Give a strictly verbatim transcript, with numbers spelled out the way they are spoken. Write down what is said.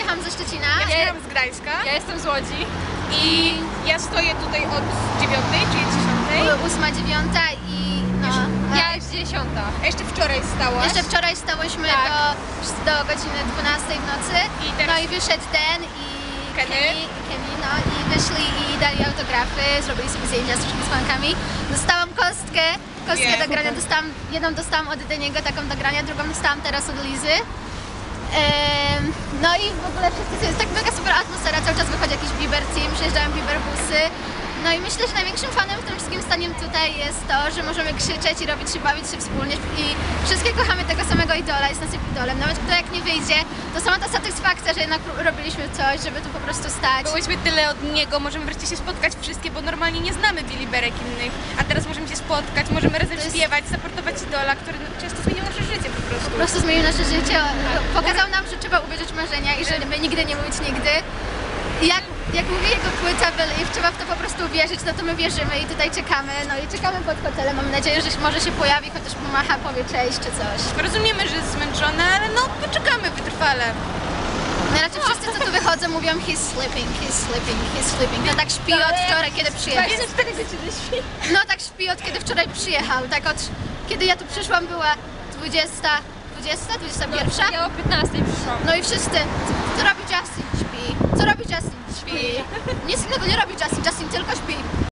przyjechałam ze Szczecina. Ja przyjechałam z Gdańska. Ja jestem z Łodzi. I ja stoję tutaj od dziewiątej, czyli dziesiątej. Ósma, dziewiąta i no. Ja już dziesiąta. A jeszcze wczoraj stałaś. Jeszcze wczoraj stałyśmy Tak. do, do godziny dwunastej w nocy. I teraz- No i wyszedł ten i Kenny. Kenny, i Kenny, no i wyszli i dali autografy, zrobili sobie zdjęcia z wszystkimi fankami. Dostałam kostkę, kostkę Nie, do grania, super. dostałam, jedną dostałam od Deniego, taką do grania, drugą dostałam teraz od Lizy. Ehm, no i w ogóle wszyscy, jest tak mega super atmosfera, cały czas wychodzi jakiś Bieber team, przyjeżdżają Bieber busy. No i myślę, że największym fanem w tym wszystkim staniem tutaj jest to, że możemy krzyczeć i robić się, bawić się wspólnie i wszystkie kochamy tego samego idola, jest naszym idolem. Nawet kto jak nie wyjdzie, to sama ta satysfakcja, że jednak robiliśmy coś, żeby tu po prostu stać. Byłyśmy tyle od niego, możemy wreszcie się spotkać wszystkie, bo normalnie nie znamy Biliberek innych. A teraz możemy się spotkać, możemy razem To jest- śpiewać, supportować idola, który no, często zmienił nasze życie po prostu. Po prostu zmienił nasze życie, pokazał nam, że trzeba uwierzyć w marzenia i że my nigdy nie mówić nigdy. I jak, jak mówi jego płyta Believe, trzeba w to po prostu wierzyć, no to my wierzymy i tutaj czekamy, no i czekamy pod hotelem, mam nadzieję, że może się pojawi, chociaż pomacha, powie cześć czy coś. Rozumiemy, że jest zmęczona, ale no poczekamy wytrwale. No raczej wszyscy, co tu wychodzą, mówią he's sleeping, he's sleeping, he's sleeping. No tak śpi od wczoraj, kiedy przyjechał. dwadzieścia cztery godziny śpi. No tak śpi od kiedy wczoraj przyjechał, tak od kiedy ja tu przyszłam była dwudziesta, dwudziesta, dwudziesta pierwsza. Ja o piętnastej przyszłam. No i wszyscy, co robi Justin? Śpi. Co robi Justin? Śpi. Nic innego nie robi Justin, Justin tylko śpi.